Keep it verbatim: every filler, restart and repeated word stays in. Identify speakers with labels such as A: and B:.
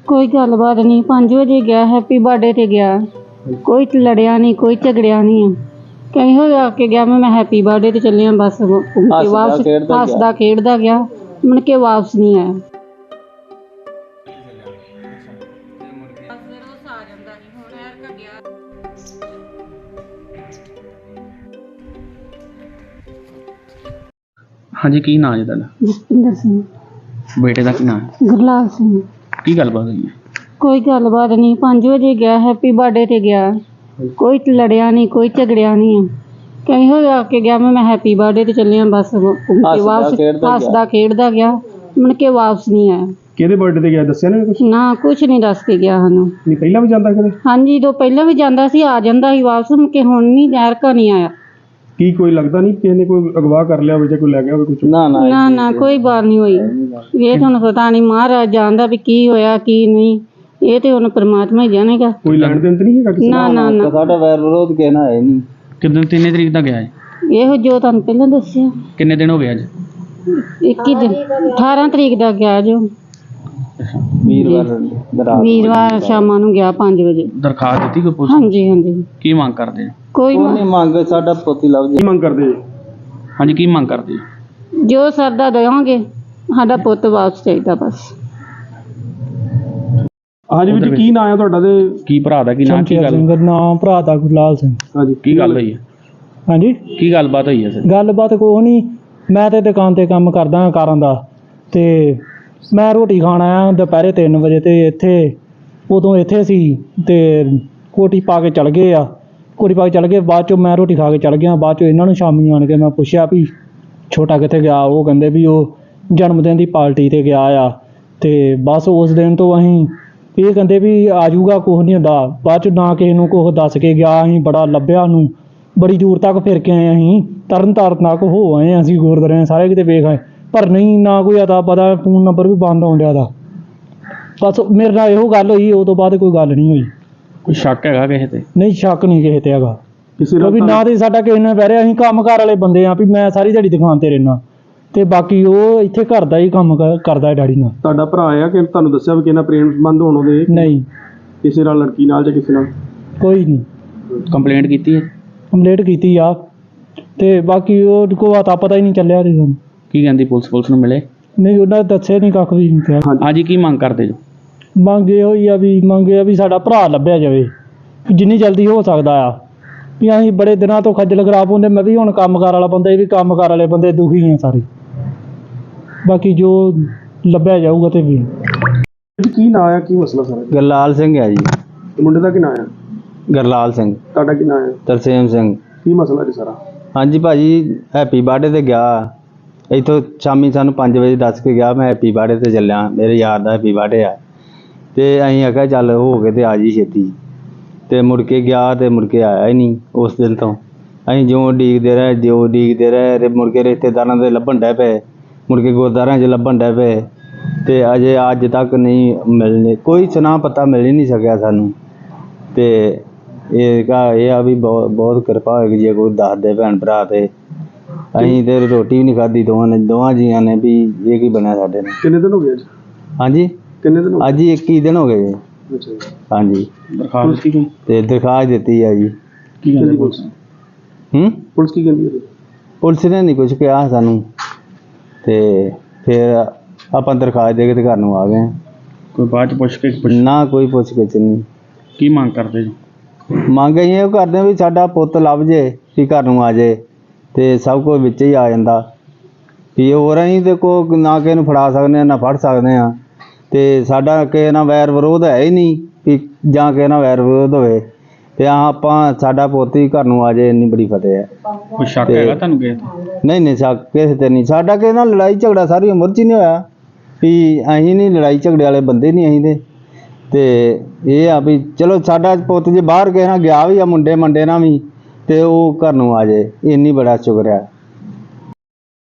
A: कोई गलबात नहीं, पाँच बजे गया हैप्पी बर्थडे ते गया, कोई लड़िया नहीं, कोई झगड़िया नहीं है। कहीं हो आके गया मैं हैप्पी बर्थडे ते चलिया, बस वापस हसदा खेडदा गया, मुड़ के वापस नहीं आया।
B: हाँ जी, की नाम है तुहाडा?
A: जसपिंदर सिंह।
B: बेटे का की नाम है?
A: गुरलाल सिंह।
B: की गलबात हुई है?
A: कोई गलबात नहीं, पाँच बजे गया हैप्पी बर्थडे ते गया, कोई लड़िया नहीं, कोई झगड़िया नहीं है। कहीं हो आके गया मैं हैप्पी बर्थडे ते चलिया, बस वापस हसदा खेडदा गया, मुड़ के वापस नहीं आया।
C: ਕਿਹਦੇ ਬਰਥਡੇ ਤੇ ਗਿਆ ਦੱਸਿਆ ਨਾ ਕੁਝ?
A: ना कुछ नहीं दस के गया ਸਾਨੂੰ।
C: ਨਹੀਂ ਪਹਿਲਾਂ ਵੀ ਜਾਂਦਾ ਕਦੇ?
A: ਹਾਂਜੀ, ਤੋਂ ਪਹਿਲਾਂ ਵੀ ਜਾਂਦਾ ਸੀ, ਆ ਜਾਂਦਾ ਸੀ ਵਾਪਸ, ਮੁੜ ਕੇ ਹੁਣ ਨਹੀਂ ਐਰਕਾ ਨਹੀਂ ਆਇਆ।
C: ਕੀ ਕੋਈ ਲੱਗਦਾ ਨਹੀਂ ਕਿਸੇ ਨੇ ਕੋਈ ਅਗਵਾ ਕਰ ਲਿਆ ਹੋਵੇ ਜਾਂ ਕੋਈ ਲੈ ਗਿਆ ਹੋਵੇ ਕੁਝ?
B: ਨਾ ਨਾ
A: ਨਾ ਨਾ ਕੋਈ ਬਾਤ ਨਹੀਂ ਹੋਈ। ਇਹ ਤੁਹਾਨੂੰ ਪਤਾ ਨਹੀਂ, ਮਹਾਰਾਜ ਜਾਣਦਾ ਵੀ ਕੀ ਹੋਇਆ ਕੀ ਨਹੀਂ, ਇਹ ਤੇ ਹੁਣ ਪਰਮਾਤਮਾ ਹੀ ਜਾਣੇਗਾ।
C: ਕੋਈ ਲੈਣ ਦੇਣ ਤਾਂ ਨਹੀਂ ਹੈਗਾ ਕਿਸੇ
A: ਨਾ ਨਾ ਨਾ,
B: ਸਾਡਾ ਵੈਰ ਵਿਰੋਧ ਕਹਿਣਾ ਹੈ ਨਹੀਂ। ਕਿੰਨੇ ਤਿੰਨੇ ਤਰੀਕ ਦਾ ਗਿਆ ਹੈ?
A: ਇਹੋ ਜੋ ਤੁਹਾਨੂੰ ਪਹਿਲਾਂ ਦੱਸਿਆ।
B: ਕਿੰਨੇ ਦਿਨ ਹੋ ਗਏ ਅੱਜ?
A: ਇੱਕੀ ਦਿਨ, ਅਠਾਰਾਂ ਤਰੀਕ ਦਾ ਗਿਆ ਜੋ
B: ਵੀਰਵਾਰ
A: ਵੀਰਵਾਰ ਸ਼ਾਮਾਂ ਨੂੰ ਗਿਆ ਪੰਜ ਵਜੇ।
B: ਦਰਖਾਸਤ ਦਿੱਤੀ ਕੋਈ ਪੁਲਿਸ?
A: ਹਾਂਜੀ ਹਾਂਜੀ।
B: ਕੀ ਮੰਗ ਕਰਦੇ ਹੋ?
A: ਕੋਈ
B: ਨਹੀਂ ਮੰਗ, ਸਾਡਾ ਪੋਤੀ ਲੱਭ
C: ਕੀ ਮੰਗ ਕਰਦੇ?
B: ਹਾਂਜੀ, ਕੀ ਮੰਗ ਕਰਦੇ ਹੋ?
A: ਜੋ ਸਰਦਾ ਦੇਵਾਂਗੇ, ਸਾਡਾ ਪੁੱਤ ਵਾਪਸ ਚਾਹੀਦਾ ਬਸ।
C: ਹਾਂਜੀ ਵੀਰ ਜੀ, ਕੀ ਨਾਂ ਆ ਤੁਹਾਡਾ ਤੇ
B: ਕੀ ਭਰਾ ਦਾ ਕੀ ਨਾਂ? ਕੀ ਗੱਲ?
D: ਨਾਮ ਭਰਾ ਦਾ ਗੁਰਲਾਲ ਸਿੰਘ।
C: ਹਾਂਜੀ,
B: ਕੀ ਗੱਲ ਹੋਈ ਹੈ?
D: ਹਾਂਜੀ,
B: ਕੀ ਗੱਲਬਾਤ ਹੋਈ ਹੈ ਸਰ?
D: ਗੱਲਬਾਤ ਕੋਈ ਨਹੀਂ, ਮੈਂ ਤੇ ਦੁਕਾਨ ਤੇ ਕੰਮ ਕਰਦਾ ਹਾਂ ਕਾਰਾਂ ਦਾ, ਤੇ ਮੈਂ ਰੋਟੀ ਖਾਣ ਆਇਆ ਦੁਪਹਿਰੇ ਤਿੰਨ ਵਜੇ, ਤੇ ਇੱਥੇ ਉਦੋਂ ਇੱਥੇ ਸੀ ਤੇ ਕੋਟੀ ਪਾ ਕੇ ਚਲ ਗਏ ਆ, ਕੋਟੀ ਪਾ ਕੇ ਚਲ ਗਏ। ਬਾਅਦ ਚੋਂ ਮੈਂ ਰੋਟੀ ਖਾ ਕੇ ਚਲ ਗਿਆ, ਬਾਅਦ ਚੋਂ ਇਹਨਾਂ ਨੂੰ ਸ਼ਾਮੀ ਆਣ ਕੇ ਮੈਂ ਪੁੱਛਿਆ ਵੀ ਛੋਟਾ ਕਿੱਥੇ ਗਿਆ, ਉਹ ਕਹਿੰਦੇ ਵੀ ਉਹ ਜਨਮ ਦਿਨ ਦੀ ਪਾਰਟੀ ਤੇ ਗਿਆ ਆ। ਤੇ ਬਸ ਉਸ ਦਿਨ ਤੋਂ ਅਸੀਂ ਇਹ ਕਹਿੰਦੇ ਵੀ ਆ ਜਾਊਗਾ, ਕੁਛ ਨਹੀਂ ਹੁੰਦਾ। ਬਾਅਦ ਚ ਨਾ ਕਿਸੇ ਨੂੰ ਕੁਛ ਦੱਸ ਕੇ ਗਿਆ, ਅਸੀਂ ਬੜਾ ਲੱਭਿਆ ਉਹਨੂੰ, ਬੜੀ ਦੂਰ ਤੱਕ ਫਿਰ ਕੇ ਆਏ, ਅਸੀਂ ਤਰਨ ਤਾਰਨ ਤੱਕ ਹੋ ਆਏ, ਅਸੀਂ ਗੁਰਦੁਆਰੇ ਸਾਰੇ ਕਿਤੇ ਵੇਖ ਆਏ, ਪਰ ਨਹੀਂ, ਨਾ ਕੋਈ ਅਤਾ ਪਤਾ, ਫੋਨ ਨੰਬਰ ਵੀ ਬੰਦ ਆਉਣ ਡਿਆ ਦਾ। ਬਸ ਮੇਰੇ ਨਾਲ ਇਹੋ ਗੱਲ ਹੋਈ, ਉਹ ਤੋਂ ਬਾਅਦ ਕੋਈ ਗੱਲ ਨਹੀਂ ਹੋਈ।
B: ਕੋਈ ਸ਼ੱਕ ਹੈਗਾ ਕਿਸੇ ਤੇ?
D: ਨਹੀਂ, ਸ਼ੱਕ ਨਹੀਂ ਕਿਸੇ ਤੇ ਹੈਗਾ,
C: ਕਿਸੇ
D: ਕਿਉਂਕਿ ਨਾ ਤੇ ਸਾਡਾ ਕਿਸੇ ਨਾਲ ਬਹਿ ਰਿਹਾ, ਅਸੀਂ ਕੰਮ ਕਾਰ ਵਾਲੇ ਬੰਦੇ ਆ, ਵੀ ਮੈਂ ਸਾਰੀ ਦਿਹਾੜੀ ਦੁਕਾਨ ਤੇ ਰਹਿਣਾ, ਤੇ ਬਾਕੀ ਉਹ ਇੱਥੇ ਘਰ ਦਾ ਹੀ ਕੰਮ ਕ- ਕਰਦਾ ਹੈ ਡੈਡੀ ਨਾਲ।
C: ਤੁਹਾਡਾ ਭਰਾ ਆ ਕਿ ਤੁਹਾਨੂੰ ਦੱਸਿਆ ਵੀ ਕਿਸੇ ਨਾਲ ਪ੍ਰੇਮ ਸੰਬੰਧ ਹੋਣ ਉਹਦੇ?
D: ਨਹੀਂ,
C: ਕਿਸੇ ਨਾਲ, ਲੜਕੀ ਨਾਲ ਜਾਂ ਕਿਸੇ ਨਾਲ?
D: ਕੋਈ ਨਹੀਂ।
B: ਕੰਪਲੇਂਟ ਕੀਤੀ ਹੈ?
D: ਕੰਪਲੇਂਟ ਕੀਤੀ ਆ, ਤੇ ਬਾਕੀ ਉਹ ਕੋਈ ਅਤਾ ਪਤਾ ਹੀ ਨਹੀਂ ਚੱਲਿਆ ਤੇ ਸਾਨੂੰ।
B: ਕੀ ਕਹਿੰਦੀ ਪੁਲਿਸ? ਪੁਲਿਸ ਨੂੰ ਮਿਲੇ?
D: ਨਹੀਂ, ਉਹਨਾਂ ਨੇ ਦੱਸਿਆ ਨਹੀਂ, ਕੱਖ ਵੀ ਨਹੀਂ ਕਿਹਾ।
B: ਹਾਂਜੀ, ਕੀ ਮੰਗ ਕਰਦੇ ਜੋ?
D: ਮੰਗ ਇਹੋ ਹੀ ਆ ਵੀ ਮੰਗ ਇਹ ਆ ਵੀ ਸਾਡਾ ਭਰਾ ਲੱਭਿਆ ਜਾਵੇ, ਵੀ ਜਿੰਨੀ ਜਲਦੀ ਹੋ ਸਕਦਾ ਆ। ਵੀ ਅਸੀਂ ਬੜੇ ਦਿਨਾਂ ਤੋਂ ਖੱਜਲ ਖਰਾਬ ਹੁੰਦੇ, ਮੈਂ ਵੀ ਹੁਣ ਕੰਮਕਾਰ ਵਾਲਾ ਬੰਦਾ, ਇਹ ਵੀ ਕੰਮਕਾਰ ਵਾਲੇ ਬੰਦੇ ਦੁਖੀ ਆ ਸਾਰੇ। ਬਾਕੀ ਜੋ ਲੱਭਿਆ ਜਾਊਗਾ ਤੇ ਵੀ।
C: ਕੀ ਨਾਂ ਆ, ਕੀ ਮਸਲਾ ਸਾਰਾ?
B: ਗੁਰਲਾਲ ਸਿੰਘ ਹੈ ਜੀ।
C: ਤੇ ਮੁੰਡੇ ਦਾ ਕੀ ਨਾਂ ਆ?
B: ਗੁਰਲਾਲ ਸਿੰਘ।
C: ਤੁਹਾਡਾ ਕੀ ਨਾਂ ਆ?
B: ਤਰਸੇਮ ਸਿੰਘ।
C: ਕੀ ਮਸਲਾ ਜੀ ਸਾਰਾ?
B: ਹਾਂਜੀ ਭਾਜੀ, ਹੈਪੀ ਬਰਥਡੇ ਤੇ ਗਿਆ, ਇੱਥੋਂ ਸ਼ਾਮੀ ਸਾਨੂੰ ਪੰਜ ਵਜੇ ਦੱਸ ਕੇ ਗਿਆ, ਮੈਂ ਹੈਪੀ ਬਰਥਡੇ ਤੇ ਚੱਲਿਆ, ਮੇਰੇ ਯਾਰ ਦਾ ਹੈਪੀ ਬਰਥਡੇ ਆ। ਤੇ ਅਸੀਂ ਆਖਿਆ ਚੱਲ ਹੋ ਕੇ ਤੇ ਆ ਜੀ ਛੇਤੀ, ਤੇ ਮੁੜ ਕੇ ਗਿਆ ਤੇ ਮੁੜ ਕੇ ਆਇਆ ਹੀ ਨਹੀਂ। ਉਸ ਦਿਨ ਤੋਂ ਅਸੀਂ ਜਿਉਂ ਉਡੀਕਦੇ ਰਹੇ, ਜਿਉਂ ਉਡੀਕਦੇ ਰਹੇ, ਤੇ ਮੁੜ ਕੇ ਰਿਸ਼ਤੇਦਾਰਾਂ ਦੇ ਲੱਭਣ ਡੈ ਪਏ, ਮੁੜ ਕੇ ਗੁਰਦੁਆਰਿਆਂ 'ਚ ਲੱਭਣ ਡੈ ਪਏ, ਤੇ ਅਜੇ ਅੱਜ ਤੱਕ ਨਹੀਂ ਮਿਲਣੇ, ਕੋਈ ਸੁਨਾ ਪਤਾ ਮਿਲ ਹੀ ਨਹੀਂ ਸਕਿਆ ਸਾਨੂੰ। ਤੇ ਇਹ ਕਾ ਇਹ ਆ ਵੀ ਬਹੁਤ ਬਹੁਤ ਕਿਰਪਾ ਹੋਏਗੀ ਜੇ ਕੋਈ ਦੱਸ ਦੇ ਭੈਣ ਭਰਾ, ਤੇ ਅਸੀਂ ਤੇ ਰੋਟੀ ਵੀ ਨਹੀਂ ਖਾਧੀ ਦੋਵਾਂ ਨੇ, ਦੋਵਾਂ ਜੀਆਂ ਨੇ, ਵੀ ਇਹ ਕੀ ਬਣਿਆ ਸਾਡੇ ਨਾਲ।
C: ਕਿੰਨੇ ਦਿਨ ਹੋ ਗਏ ਅੱਜ?
B: ਹਾਂਜੀ,
C: ਕਿੰਨੇ ਦਿਨ ਹੋ
B: ਅੱਜ ਹੀ ਇੱਕੀ ਦਿਨ ਹੋ ਗਏ ਜੀ।
C: ਗਏ? ਅੱਛਾ ਜੀ।
B: ਹਾਂਜੀ,
C: ਦਰਖਾਸਤ ਕੀ
B: ਤੇ ਦਰਖਾਸਤ ਦਿੱਤੀ ਆ ਜੀ।
C: ਕੀ ਕਹਿੰਦੀ ਪੁਲਿਸ?
B: ਹੂੰ
C: ਪੁਲਿਸ ਕੀ ਕਹਿੰਦੀ ਹੈ?
B: ਪੁਲਿਸ ਨੇ ਨਹੀਂ ਕੁਝ ਕਿਹਾ ਸਾਨੂੰ, ਤੇ ਫਿਰ ਆਪਾਂ ਦਰਖਾਸਤ ਦੇ ਕੇ ਤੇ ਘਰ ਨੂੰ ਆ ਗਏ।
C: ਕੋਈ ਬਾਅਦ ਚ ਪੁੱਛ ਕੇ?
B: ਨਾ ਕੋਈ ਪੁੱਛ ਗਿੱਛ ਨਹੀਂ।
C: ਕੀ ਮੰਗ ਕਰਦੇ ਜੀ?
B: ਮੰਗ ਅਸੀਂ ਇਹ ਕਰਦੇ ਵੀ ਸਾਡਾ ਪੁੱਤ ਲੱਭ ਜੇ, ਵੀ ਘਰ ਨੂੰ ਆ ਜੇ, ਤੇ ਸਭ ਕੁਝ ਵਿੱਚ ਹੀ ਆ ਜਾਂਦਾ। ਵੀ ਹੋਰ ਅਸੀਂ ਤੇ ਕੋ ਨਾ ਕਿਸੇ ਨੂੰ ਫੜਾ ਸਕਦੇ ਹਾਂ, ਨਾ ਫੜ ਸਕਦੇ ਹਾਂ, ਤੇ ਸਾਡਾ ਕਿਸੇ ਨਾਲ ਵੈਰ ਵਿਰੋਧ ਹੈ ਹੀ ਨਹੀਂ ਵੀ ਜਾਂ ਕਿਸੇ ਨਾਲ ਵੈਰ ਵਿਰੋਧ ਹੋਵੇ, ਤੇ ਆ ਆਪਾਂ ਸਾਡਾ ਪੁੱਤ ਹੀ ਘਰ ਨੂੰ ਆ ਜਾਏ, ਇੰਨੀ ਬੜੀ ਫਤਿਹ ਹੈ।
C: ਕੋਈ ਸ਼ੱਕ ਹੈਗਾ ਤੁਹਾਨੂੰ ਕਿਸੇ ਤੇ?
B: ਨਹੀਂ ਨਹੀਂ, ਸ਼ੱਕ ਕਿਸੇ ਤੇ ਨਹੀਂ। ਸਾਡਾ ਕਿਸੇ ਨਾਲ ਲੜਾਈ ਝਗੜਾ ਸਾਰੀ ਉਮਰ 'ਚ ਹੀ ਨਹੀਂ ਹੋਇਆ, ਵੀ ਅਸੀਂ ਨਹੀਂ ਲੜਾਈ ਝਗੜੇ ਵਾਲੇ ਬੰਦੇ ਨਹੀਂ ਅਸੀਂ ਤੇ। ਤੇ ਇਹ ਆ ਵੀ ਚਲੋ ਸਾਡਾ ਪੁੱਤ ਜੇ ਬਾਹਰ ਕਿਸੇ ਨਾਲ ਗਿਆ ਵੀ ਆ, ਮੁੰਡੇ ਮੰਡੇ ਨਾਲ ਵੀ, ਤੇ ਉਹ ਘਰ ਨੂੰ ਆ ਜਾਏ, ਇੰਨੀ ਬੜਾ ਸ਼ੁਕਰ ਹੈ।